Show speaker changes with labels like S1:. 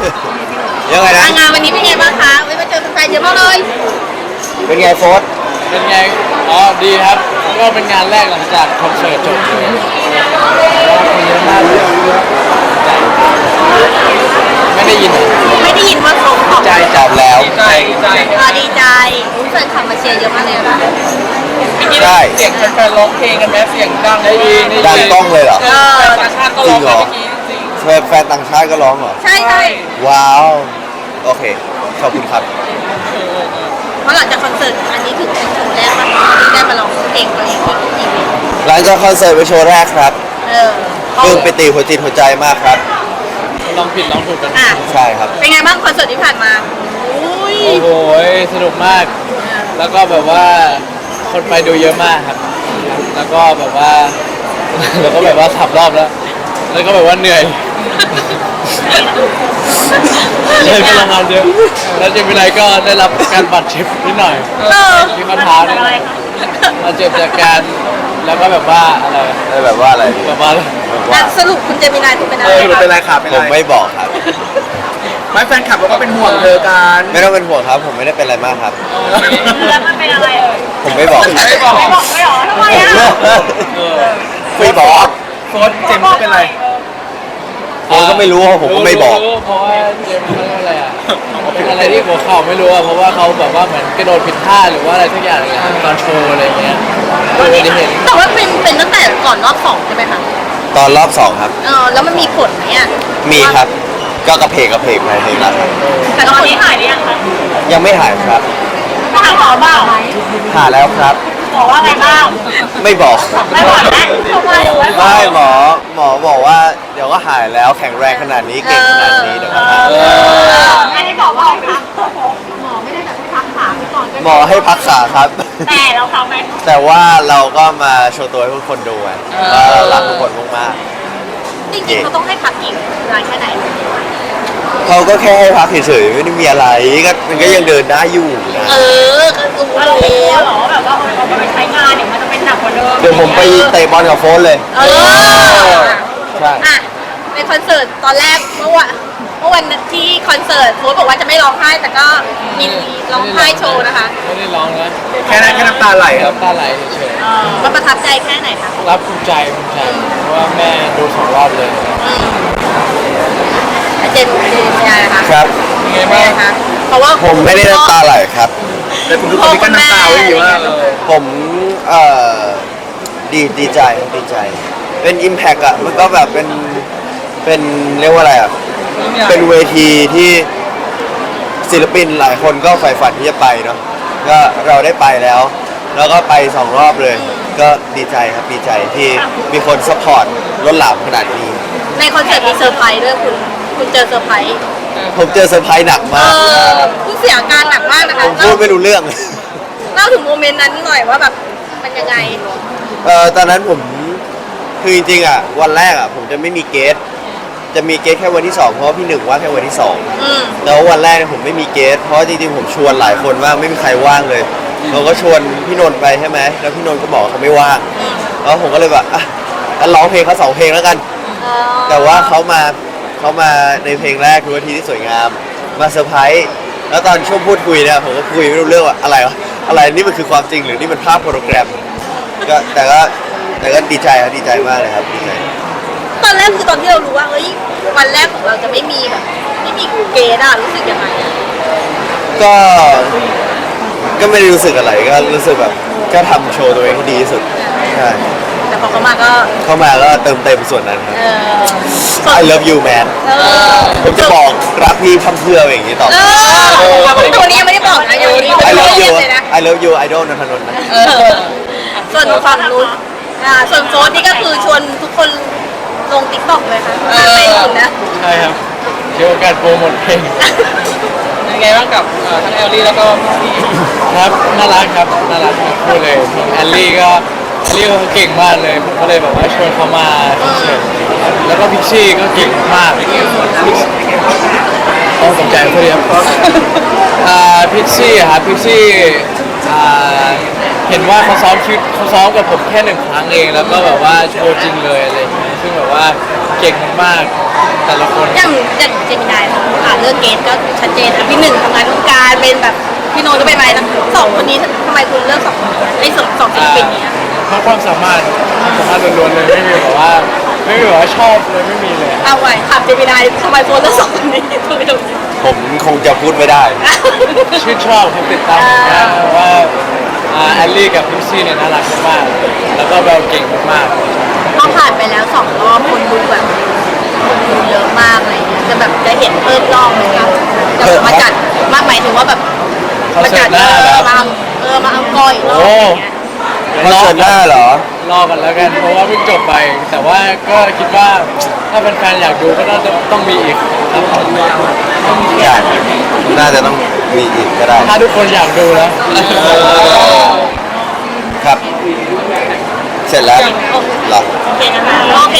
S1: ยังไงนะ
S2: งานวันนี้เป็นไงบ้างคะมาเจอแฟนเยอะมากเลย
S1: เป็นไงโฟส
S3: เป็นไงอ๋อดีครับก็เป็นงานแรกหลังจากคอนเสิร์ตจบเลยคนเยอะมากเลยไม่ได้ยิน
S2: ไม่ได้ยินว่าเขาตอบ
S1: ใจจับแล้ว
S2: ดีใจแฟนคลับมาเชียร์เยอะมากเลยค่ะ
S1: ใช่
S3: เสียงแฟนร้องเพลงกันไหมเสียงดังได้ยิน
S1: ดังกล้องเลยเหรอ
S3: ต่างชาติก็ร้องเมื่อกี้จริง
S1: แฟนต่างชาติก็ร้องเหรอ
S2: ใช่ใช่
S1: ว้าวโอเคขอบคุณครับ
S2: เพราะหลังจากคอนเสิร์ตอันนี้ถึงเป็นโชว์แรกป่ะที่ได้มาร้องเพลงตัวเองที่อีเวนต์
S1: หลังจากคอนเสิร์ตไปโชว์แรกครับ
S2: เขา
S1: ปลื้มปิติหัวจิตหัวใจมากครับ
S3: ลองผิดลองถูกกัน
S2: อ่ะ
S1: ใช่ครับ
S2: เป็นไงบ้างคอนเสิร์ตที่ผ่านมาอุ้ย
S3: โอ้โหสนุกมาก แล้วก็แบบว่าคนไปดูเยอะมากครับ แล้วก็แบบว่า3 รอบแล้ว แล้วก็แบบว่าเหนื่อยเลยพลังงานเยอะแล้วเจมินายก็ได้รับการบาดเจ็บนิดหน่อยที่ข้อเท้าเนี่ยบาดเจ็บจากการแล้วก็แบบว่าอะไร
S1: แบบว่าอะไร
S3: แบบว่า
S2: อ่ะสรุปคุณเจมินายคุณเป็นอะไร
S4: เป็นไรครับเป็น
S1: ผ
S4: ไร
S1: มไม่บอกครับ
S4: ไม่แฟนคลับเราก็เป็นห่วงเธอกัน
S1: ไม่ต้องเป็นห่วงครับ ผมไม่ได้เป็นอะไรมากครับ
S2: แล้วมันเป็นอะไรเอ่ย
S1: ผมไม่บอก
S3: ไม่บอก
S2: ไม่บอกไม่หรอทำไมอ่ะ
S1: ไม่บอก
S4: โฟนเจมส์เป็นไร
S1: ผมก็ไม่รู้ผมก็ไม่บอก
S3: เพราะว่าเจมส์เขาเรียกว่าอะไรอ่ะเป็นอะไรที่หัวเข่าไม่รู้อ่ะเพราะว่าเขาแบบว่าเหมือนกระโดดผิดท่าหรือว่าอะไรสักอย่างอะไรตอนโชว์อะไรเงี้ยไม่ได้เห็น
S2: แต่ว่าเป็นตั้งแต่ก่อนรอบสองใช่ไหมคะ
S1: ตอนรอบ2ครับ
S2: แล้วมันมีผลไหมอ่ะ
S1: มีครับ ก็กระเพกไปเพลงละครับ
S2: แต่ตอนนี้หายหรือยังคะ
S1: ยังไม่หายครับ
S2: ไปหาหมอบ้างไหม
S1: หายแล้วครับ
S2: บอกว่าไงบ้าง
S1: ไม่บอก
S2: ไม่บอกนะทำไม
S1: ไม่หมอบอกว่าเดี๋ยวก็หายแล้วแข็งแรงขนาดนี้เก่งขนาดนี้เดี๋ยวก็หาย
S2: อันนี้บอกว่าให้พักหมอไม่ได้แบบให้พักขาไปก่อน
S1: หมอให้พักขาครับ
S2: แต่เราทำไหม
S1: แต่ว่าเราก็มาโชว์ตัวให้ทุกคนดูไงว่ารักทุกคนมาก
S2: จริงๆเขาต้องให้พักอีกนานแค่ไหน
S1: ๆเขาก็แค่ให้พักเฉยๆไม่ได้มีอะไรก็มันก็ยังเดินได้อยู่นะ
S2: ก็รู้เราไม่กลัวหรอแบบว่าพอไปใช้งานเนี่ยมันจะเป็นหนักกว่าเดิม
S1: เดี๋ยวผมไปเตะบอลกับโฟนเลย ใช่
S2: อ่ะในคอนเสิร์ตตอนแรกเมื่อวันที่คอนเสิร์ตโค้ชบอกว่าจะไม่ร้องไห้แต่ก็มีร้องไห้โชว์นะคะ
S3: ไม่ได้ร้องนะ
S4: แค่นั้นแค่น้ำตาไหลครับ
S3: น้ำตาไหลเฉย
S2: มันประทับใจแค่ไหนคะ
S3: ๆรับภูมิใจเพราะว่าแม่ดู2 รอบเลย
S2: เจนเป็นไงคะ
S1: ครับ
S3: ยังไง
S2: เป็น
S3: บ้า
S2: ไง
S3: ง
S2: คะเพราะว่า
S1: ผมไม่ได้น้ำตาไหลครับ
S4: แต่คุณทุกคนนี่ก็น้ำตาไว้อยู่ว่า
S1: ผมดีใจดีใจ เป็น Impact อ่ะมันก็แบบเป็นเรียกว่าอะไรอ่ะ เป็นเวทีที่ศิลปินหลายคนก็ใฝ่ฝันที่จะไปเนาะก็เราได้ไปแล้ว แล้วก็ไป2 รอบเลย ก็ดีใจครับดีใจที่มีคนซัพพอร์ตล้นหลามขนาดนี้
S2: ในคอนเสิร์ตมีเซอร์ไพรส์ด้วยคุณเจอเซอร์ไพรส์
S1: ผมเจอเซอร์ไพรส์หนักมาก
S2: คุณเสียอาการหนักมากนะ
S1: ผ
S2: คะ
S1: มพูดไม่รู้เรื่อง
S2: เล่าถึงโมเมนต์นั้นหน่อยว่าแบบมันยังไง
S1: ตอนนั้นผมคือจริงๆอ่ะวันแรกอ่ะผมจะไม่มีเกสจะมีเกสแค่วันที่ 2เพราะว่าพี่หนึ่งว่างแค่วันที่
S2: อืม
S1: 2แล้ววันแรกเนี่ยผมไม่มีเกสเพราะว่าจริงๆผมชวนหลายคนว่างไม่มีใครว่างเลยเราก็ชวนพี่นนท์ไปใช่ไหมแล้วพี่นนท์ก็บอกว่าเขาไม่ว่างแล้วผมก็เลยแบบอ่ะงั้นร้องเพลงเขา2 เพลงแล้วกัน แต่ว่าเขามาในเพลงแรกคือวันที่ที่สวยงามมาเซอร์ไพรส์แล้วตอนช่วงพูดคุยเนี่ยผมก็คุยไม่รู้เรื่องว่าอะไรวะอะไรนี่มันคือความจริงหรือนี่มันภาพโปรแกรมก็แต่ก็ดีใจครับดีใจมากเลยครับดีใจ
S2: ตอนแรกคือตอนที่เรารู้ว่าเฮ้ยวันแรกของเราจะไม่มีแบบไม่มีเกณฑ์อะรู้สึกยังไงอะ
S1: ก็ไม่ได้รู้สึกอะไรก็รู้สึกแบบก็ทำโชว์ตัวเองให้ดีที่สุดใช่
S2: แต่พอเขามาก็
S1: เข้ามาก็เติมเต็มส่วนนั้นครับ
S2: ส่วน
S1: I love you man ผมจะบอกรักพี่ทำเพื่ออย่างนี้ต่อ
S2: ตัวนี้ยังไม่ได้บอกนะยังไม่ได้
S1: I love
S2: เรี
S1: you
S2: ยกเลยนะ
S1: I love you I don't นนทนนท์นะ
S2: ส่วนฝั่งนู้นส่วนโฟนนี่ก็คือชวนทุกคนลงติ๊กต็อกเลยค่ะเป็นอยู่นะ
S3: ใช่ครับเกี่ยวกับการโปรโมทเพลงเป็นไงบ้างกับทั้งแอลลี่แล้วก็พี่ครับน่ารักครับน่ารักทั้งคู่เลยแอลลี่ก็เขาเก่งมากเลยผมก็เลยแบบว่าชวนเขามาคอนเสิร์ตแล้วก็พิชชี่ก็เก่งมากต้องสนใจเขาดีครับพิชชี่ครับพิชชี่เห็นว่าเขาซ้อมกับผมแค่1 ครั้งเองแล้วก็แบบว่าโชว์จริงเลยอะไรอย่างเงี้ยซึ่งแบบว่าเก่งมากๆแต่ละคน
S2: อย่างเจมินายเขาเรื่องเกณฑ์ก็ชัดเจนนะพี่หนึ่งทำงานวงการเป็นแบบพี่โนนก็เป็นอะไรนะสองคนนี้ทำไมคุณเลือกสองคนไอ้สองศิลปินนี้อะ
S3: เพราะความสามารถล้วนๆเลยไม่มีแบบว่าชอบเลยไม่มีเลย
S2: เอาไว้ถามเจมินายทำไมคุณเลือกสองคนนี้ทำไมถึง
S1: ผมคงจะพูดไม่ได้
S3: ชื่นชอบผมติดตามนะว่าแอลลี่กับพิซซี่เนี่ยน่ารักมากๆแล้วก็แบบเก่งมาก
S2: พอผ่านไปแล้ว2 รอบคนดูแบบคนดูเยอะมากอะไรเงี้ยจะแบบจะเห็นเพิ่มรอบไหมครับจะมาจัดมากหมายถึงว่าแบบ
S3: ๆคอน
S2: มา
S3: เสิ
S2: จั
S3: ร์
S2: ด
S3: ตหน้าแล้ว
S2: มาเอากอยอีกรอบอะไรเงี้ย
S1: คอนเสิร์ตหน้าเหรอ
S3: รอกันแล้วกันเพราะว่าเพิ่งจบไป แต่ว่าก็คิดว่าถ้าเป็นแฟนๆอยากดูก็น่าจะต้องมีอีกครับผม
S1: อยากน่าจะต้องมีอีกก็ได้
S3: ถ้าทุกคนอยากดูแล้ว
S1: ครับ เสร็จแล้วเหรอ
S2: โอเคนะคะรอบ